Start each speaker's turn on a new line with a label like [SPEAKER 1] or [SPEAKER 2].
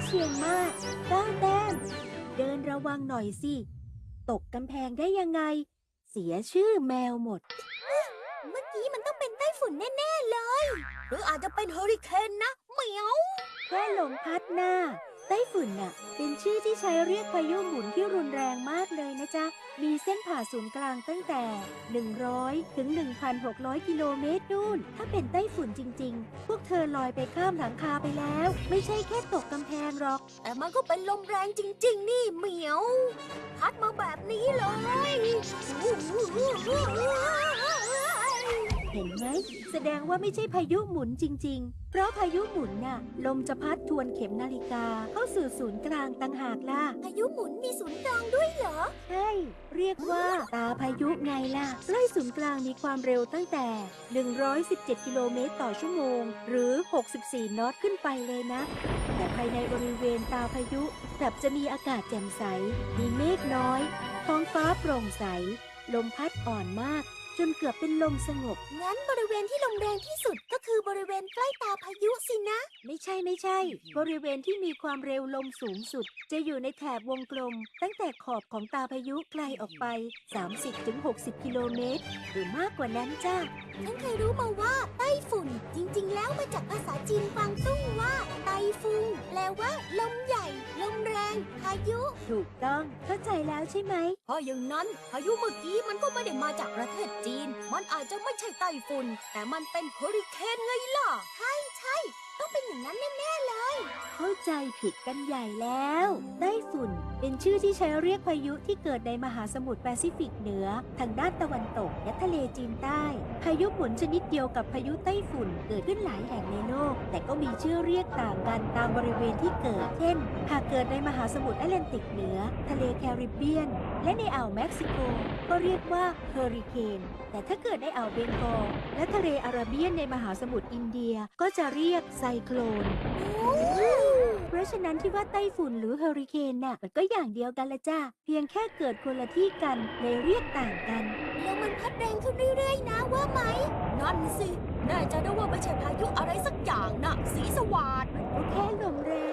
[SPEAKER 1] เชียงมาศ9 แต้มเดินระวังหน่อยสิตกกำแพงได้ยังไงเสียชื่อแมวหมดเมื่อกี้มันต้องเป็นไต้ฝุ่นแน่ๆเลยหรืออาจจะเป็นเฮอริเคนนะเหมียวแค่ลมพัดหน้าไต้ฝุ่นน่ะเป็นชื่อที่ใช้เรียกพายุหมุนที่รุนแรงมากเลยนะจ๊ะมีเส้นผ่าศูนย์กลางตั้งแต่100ถึง 1,600 กิโลเมตรนู่นถ้าเป็นไต้ฝุ่นจริงๆพวกเธอลอยไปข้ามหลังคาไปแล้วไม่ใช่แค่ตกกำแพงหรอกแต่มันก็เป็นลมแรงจริงๆนี่เหมียวพัดมาแบบนี้เลยเห็นไหมแสดงว่าไม่ใช่พายุหมุนจริงๆเพราะพายุหมุนน่ะลมจะพัดทวนเข็มนาฬิกาเข้าสู่ศูนย์กลางต่างหากล่ะพายุหมุนมีศูนย์กลางด้วยเหรอใช่เรียกว่าตาพายุไงล่ะใกล้ศูนย์กลางมีความเร็วตั้งแต่117กิโลเมตรต่อชั่วโมงหรือ64นอตขึ้นไปเลยนะแต่ภายในบริเวณตาพายุกลับจะมีอากาศแจ่มใสมีเมฆน้อยท้องฟ้าโปร่งใสลมพัดอ่อนมากจนเกือบเป็นลมสงบงั้นบริเวณที่ลมแรงที่สุดก็คือบริเวณใกล้ตาพายุสินะไม่ใช่บริเวณที่มีความเร็วลมสูงสุดจะอยู่ในแถบวงกลมตั้งแต่ขอบของตาพายุไกลออกไป 30-60 กิโลเมตรหรือมากกว่านั้นจ้าฉันเคยรู้มาว่าไต้ฝุ่นจริงๆแล้วมาจากภาษาจีนกวางตุ้งว่าไต้ฟุงแปลว่าลมใหญ่ลมแรงพายุถูกต้องเข้าใจแล้วใช่ไหมเพราะอย่างนั้นพายุเมื่อกี้มันก็ไม่ได้มาจากประเทศจีนมันอาจจะไม่ใช่ไต้ฝุ่นแต่มันเป็นเฮอริเคนไงล่ะใช่ต้องเป็นอย่างนั้นแน่ๆเลยเข้าใจผิดกันใหญ่แล้วไต้ฝุ่นเป็นชื่อที่ใช้เรียกพายุที่เกิดในมหาสมุทรแปซิฟิกเหนือทางด้านตะวันตกและทะเลจีนใต้พายุหมุนชนิดเดียวกับพายุไต้ฝุ่นเกิดขึ้นหลายแห่งในโลกแต่ก็มีชื่อเรียกต่างกันตามบริเวณที่เกิดเช่นหากเกิดในมหาสมุทรแอตแลนติกเหนือทะเลแคริบเบียนและในอ่าวเม็กซิโกก็เรียกว่าเฮอริเคนแต่ถ้าเกิดในอ่าวเบงกอลและทะเลอาระเบียนในมหาสมุทรอินเดียก็จะเรียกไซโคลนเพราะฉะนั้นที่ว่าไต้ฝุ่นหรือเฮอริเคนน่ะมันก็อย่างเดียวกันละจ้าเพียงแค่เกิดคนละที่กันเลยเรียกต่างกันแล้วมันพัดแรงขึ้นเรื่อยๆนะว่าไหมนั่นสิแน่ใจได้ว่าไม่ใช่พายุอะไรสักอย่างน่ะสีสวัสดมันก็แค่ลมแรง